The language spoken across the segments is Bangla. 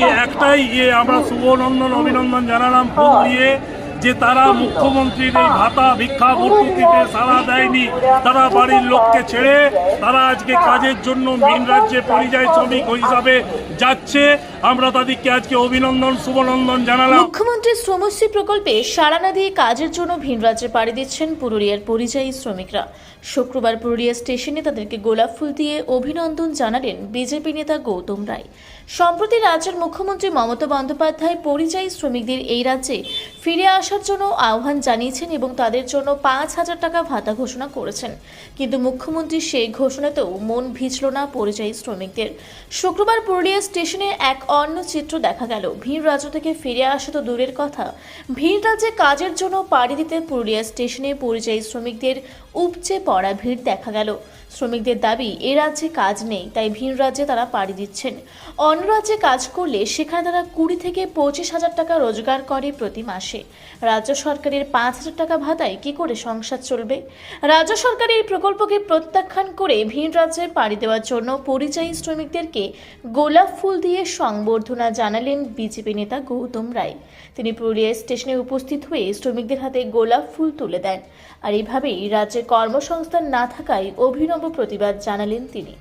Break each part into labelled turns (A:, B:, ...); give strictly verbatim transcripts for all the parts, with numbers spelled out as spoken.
A: আজকে একটাই ইয়ে আমরা শুভনন্দন অভিনন্দন জানালাম ফুল দিয়ে যে তারা মুখ্যমন্ত্রীর এই ভাতা ভিক্ষা ভর্তুকিতে সাড়া দেয়নি, তারা বাড়ির লোককে ছেড়ে তারা আজকে কাজের জন্য ভিন রাজ্যে পরিযায়ী শ্রমিক হিসাবে যাচ্ছে। আমরা তাদেরকে আজকে অভিনন্দন শুভনন্দন জানালাম।
B: মুখ্যমন্ত্রীর শ্রমশ্রী প্রকল্পে সাড়া না দিয়ে কাজের জন্য ভিন রাজ্যে পাড়ি দিচ্ছেন পুরুলিয়ার পরিযায়ী শ্রমিকরা। শুক্রবার পুরুলিয়া স্টেশনে তাদেরকে গোলাপ ফুল দিয়ে অভিনন্দন জানালেন বিজেপি নেতা গৌতম রায়। সম্প্রতি রাজ্যের মুখ্যমন্ত্রী মমতা বন্দ্যোপাধ্যায় পরিযায়ী শ্রমিকদের এই রাজ্যে ফিরে আসার জন্য আহ্বান জানিয়েছেন এবং তাদের জন্য পাঁচ হাজার টাকা ভাতা ঘোষণা করেছেন, কিন্তু মুখ্যমন্ত্রী সেই ঘোষণাতেও মন ভিজল না পরিযায়ী শ্রমিকদের। শুক্রবার পুরুলিয়া স্টেশনে এক অন্য চিত্র দেখা গেল। ভিন রাজ্য থেকে ফিরে আসা তো দূরের কথা, ভিন রাজ্যে কাজের জন্য পাড়ি দিতে পুরুলিয়া স্টেশনে পরিযায়ী শ্রমিকদের উপচে পড়া ভিড় দেখা গেল। শ্রমিকদের দাবি, এ রাজ্যে কাজ নেই, তাই ভিন রাজ্যে তারা পাড়ি দিচ্ছেন। অন্য রাজ্যে কাজ করলে সেখানে তারা কুড়ি থেকে পঁচিশ হাজার টাকা রোজগার করে প্রতি মাসে। রাজ্য সরকারের পাঁচ হাজার টাকা ভাতায় কি করে সংসার চলবে? রাজ্য সরকার এই প্রকল্পকে প্রত্যাখ্যান করে ভিন রাজ্যে পাড়ি দেওয়ার জন্য পরিযায়ী শ্রমিকদেরকে গোলাপ ফুল দিয়ে সংবর্ধনা জানালেন বিজেপি নেতা গৌতম রায়। তিনি পুরুলিয়া স্টেশনে উপস্থিত হয়ে শ্রমিকদের হাতে গোলাপ ফুল তুলে দেন। আর এইভাবেই রাজ্যে কর্মসংস্থান না থাকায় অভিনব প্রতিবাদ জানালেন তিনি।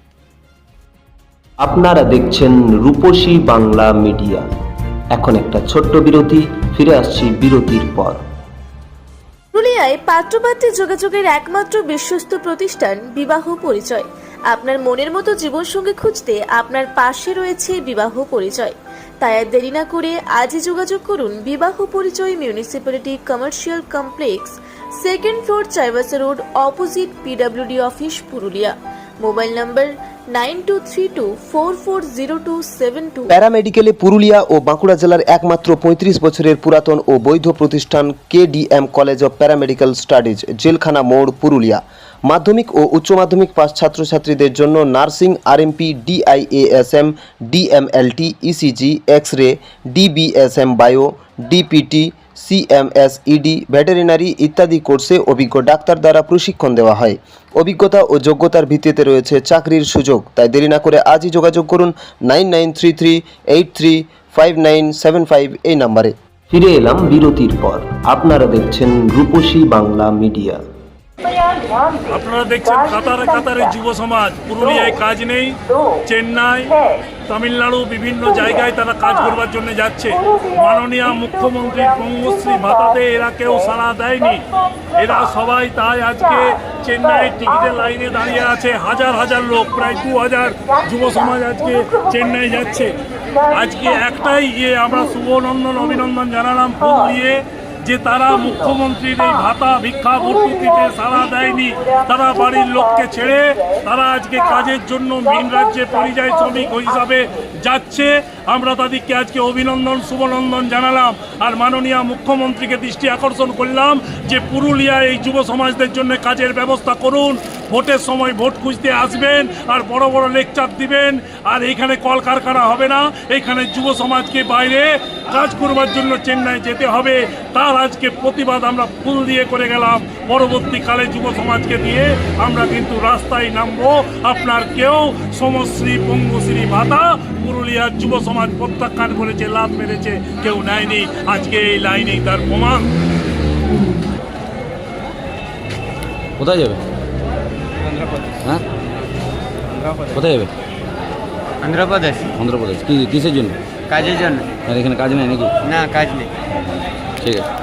C: আপনারা দেখছেন রূপসী বাংলা মিডিয়া। এখন একটা ছোট্ট বিরতি, ফিরে আসছি বিরতির পর।
B: পুরুলিয়ায় পাত্রপাত্রী যোগাযোগের একমাত্র বিশ্বস্ত প্রতিষ্ঠান বিবাহ পরিচয়। আপনার মনের মতো জীবনসঙ্গী খুঁজতে আপনার পাশে রয়েছে বিবাহ পরিচয়। তাই আর দেরি না করে আজই যোগাযোগ করুন বিবাহ পরিচয় municipality commercial complex, second floor, Chaibasa road, opposite PWD office, Purulia. Mobile number nine two three two four four zero two seven two.
C: প্যারামেডিকেলে পুরুলিয়া ও বাঁকুড়া জেলার একমাত্র পঁয়ত্রিশ বছরের পুরাতন ও বৈধ প্রতিষ্ঠান K D M college of paramedical studies, জেলখানা মোড়, পুরুলিয়া। মাধ্যমিক ও উচ্চ মাধ্যমিক পাস ছাত্রছাত্রীদের জন্য nursing, RMP, DIASM, DMLT, ECG, X ray, DBSM bio, DPT, CMS, ED, veterinary ইত্যাদি কোর্সে অভিজ্ঞ ডাক্তার দ্বারা প্রশিক্ষণ দেওয়া হয়। অভিজ্ঞতা ও যোগ্যতার ভিত্তিতে রয়েছে চাকরির সুযোগ। তাই দেরি না করে আজই যোগাযোগ করুন nine nine three three eight three five nine seven five এই নাম্বারে। ফিরে এলাম বিরতির পর। আপনারা দেখছেন রূপসী বাংলা মিডিয়া।
A: আপনারা দেখছেন কাতারে কাতারে যুব সমাজ। পুরুলিয়ায় কাজ নেই, চেন্নাই, তামিলনাড়ু বিভিন্ন জায়গায় তারা কাজ করবার জন্য যাচ্ছে। মাননীয় মুখ্যমন্ত্রীর পঙ্গশ্রী ভাতাতে এরা কেউ সাড়া দেয়নি। এরা সবাই তাই আজকে চেন্নাইয়ের টিকিটের লাইনে দাঁড়িয়ে আছে। হাজার হাজার লোক, প্রায় দু হাজার যুব সমাজ আজকে চেন্নাই যাচ্ছে। আজকে একটাই ইয়ে আমরা শুভনন্দন অভিনন্দন জানালাম ফুল দিয়ে যে তারা মুখ্যমন্ত্রীর এই ভাতা ভিক্ষা ভর্তুকিতে সাড়া দেয়নি, তারা বাড়ির লোককে ছেড়ে তারা আজকে কাজের জন্য ভিন রাজ্যে পরিযায়ী শ্রমিক হিসাবে যাচ্ছে। আমরা তাদেরকে আজকে অভিনন্দন শুভনন্দন জানালাম। আর মাননীয় মুখ্যমন্ত্রীকে দৃষ্টি আকর্ষণ করলাম যে পুরুলিয়ায় এই যুব সমাজদের জন্য কাজের ব্যবস্থা করুন। ভোটের সময় ভোট খুঁজতে আসবেন আর বড় বড় লেকচার দিবেন, আর এইখানে কলকারখানা হবে না। এইখানে যুব সমাজকে বাইরে কাজ করবার জন্য চেন্নাই যেতে হবে। তার আজকে প্রতিবাদ আমরা ফুল দিয়ে করে গেলাম। পরবর্তীকালে যুব সমাজকে দিয়ে আমরা কিন্তু রাস্তায় নামবো। আপনার কেউ সমশ্রী পঙ্গশ্রী ভাতা পুরুলিয়ার যুব সমাজ প্রত্যাখ্যান করেছে, লাভ মেরেছে, কেউ নেয়নি। আজকে এই লাইনেই তার প্রমাণ।
D: কোথায় যাবে? হ্যাঁ, কোথায় যাবে?
E: অন্ধ্রপ্রদেশ।
D: অন্ধ্রপ্রদেশ। কি কিসের জন্য?
E: কাজের জন্য।
D: আর এখানে কাজ নেই নাকি?
E: না, কাজ নেই।
D: ঠিক আছে।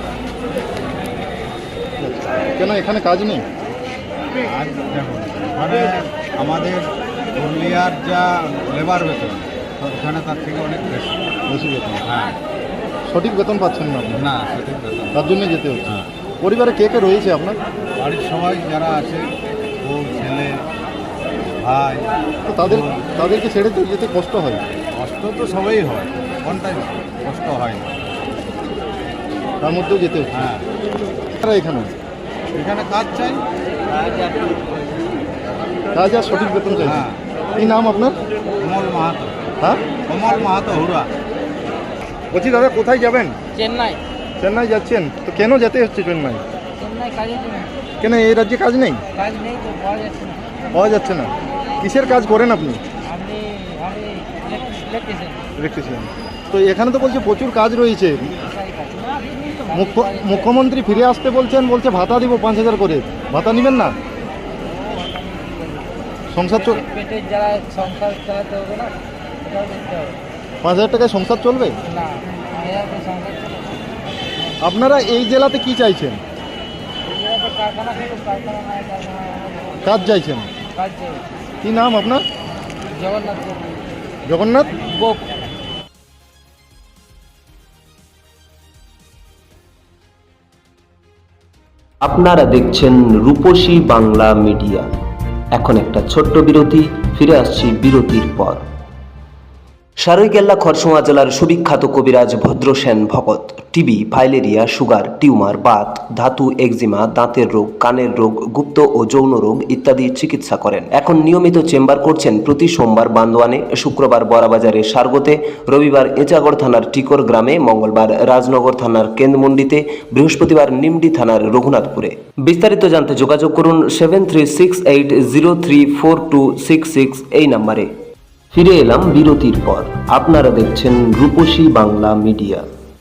F: কেন এখানে কাজ নেই?
G: আর দেখুন, মানে আমাদের পুরুলিয়ার যা লেবার বেতন ওখানে তার থেকে অনেক বেশি
F: বেশি বেতন।
G: হ্যাঁ,
F: সঠিক বেতন পাচ্ছেন না আপনি?
G: না সঠিক বেতন।
F: তার জন্য যেতে হচ্ছে।
G: হ্যাঁ,
F: পরিবারে কে কে রয়েছে আপনার?
G: বাড়ির সবাই যারা আছে, বউ, ছেলে, ভাই,
F: তো তাদের তাদেরকে ছেড়ে তো যেতে কষ্ট হয়।
G: কষ্ট তো সবাই হয়, কোনটাই কষ্ট হয় না।
F: তার মধ্যেও যেতে হচ্ছে।
G: হ্যাঁ,
F: তারা এখানে
G: এখানে কাজ চাই।
F: কাজ আর সঠিক বেতন চাই।
G: হ্যাঁ।
F: কি নাম আপনার?
G: কমল মাহাতো।
F: হ্যাঁ,
G: কমল মাহাতো হুড়া।
F: বলছি দাদা, কোথায় যাবেন?
E: চেন্নাই।
F: চেন্নাই যাচ্ছেন, তো কেন যেতে হচ্ছে চেন্নাই?
E: চেন্নাই কাজের জন্য।
F: কেন এই রাজ্যে কাজ নেই?
E: কাজ নেই তো, পাওয়া যাচ্ছে না।
F: পাওয়া যাচ্ছে না? কিসের কাজ করেন আপনি?
E: আপনি আমি ইলেকট্রিশিয়ান।
F: ইলেকট্রিশিয়ান। তো এখানে তো বলছে প্রচুর কাজ রয়েছে। মুখ্য- মুখ্যমন্ত্রী ফিরে আসতে বলছেন, বলছে ভাতা দিব পাঁচ হাজার করে, ভাতা নেবেন না? সংসার চল
E: পেটের যারা সংসার চালাতে হবে না, সেটাও দেখতে হবে।
F: পাঁচ হাজার টাকায় সংসার চলবে?
E: না, এরা তো সংসার চলে।
F: আপনারা এই জেলাতে কি চাইছেন?
E: এরা তো কারখানা থেকে কারখানা নাই, কারখানা নাই,
F: কাজ চাইছেন?
E: কাজ চাই।
F: কি নাম আপনার?
E: জগন্নাথ
F: জগন্নাথ।
E: গোপ।
C: আপনারা দেখছেন রূপসী বাংলা মিডিয়া। এখন একটা ছোট্ট বিরতি, ফিরে আসছি বিরতির পর। সারৈকেল্লা খরসোয়া জেলার সুবিখ্যাত কবিরাজ Bhadrasen Bhagat TB, filaria, sugar, tumour, বাত, ধাতু, এক্সিমা, দাঁতের রোগ, কানের রোগ, গুপ্ত ও যৌন রোগ ইত্যাদি চিকিৎসা করেন। এখন নিয়মিত চেম্বার করছেন প্রতি সোমবার বান্দোয়ানে, শুক্রবার বড়াবাজারে সারগোতে, রবিবার এঁচাগড় থানার টিকর গ্রামে, মঙ্গলবার রাজনগর থানার কেন্দ্রমন্ডিতে, বৃহস্পতিবার নিমডি থানার রঘুনাথপুরে। বিস্তারিত জানতে যোগাযোগ করুন seven three six eight zero three four two six six এই নম্বরে। ফিরে এলাম বিরতির পর। আপনারা দেখছেন রূপসী বাংলা মিডিয়া।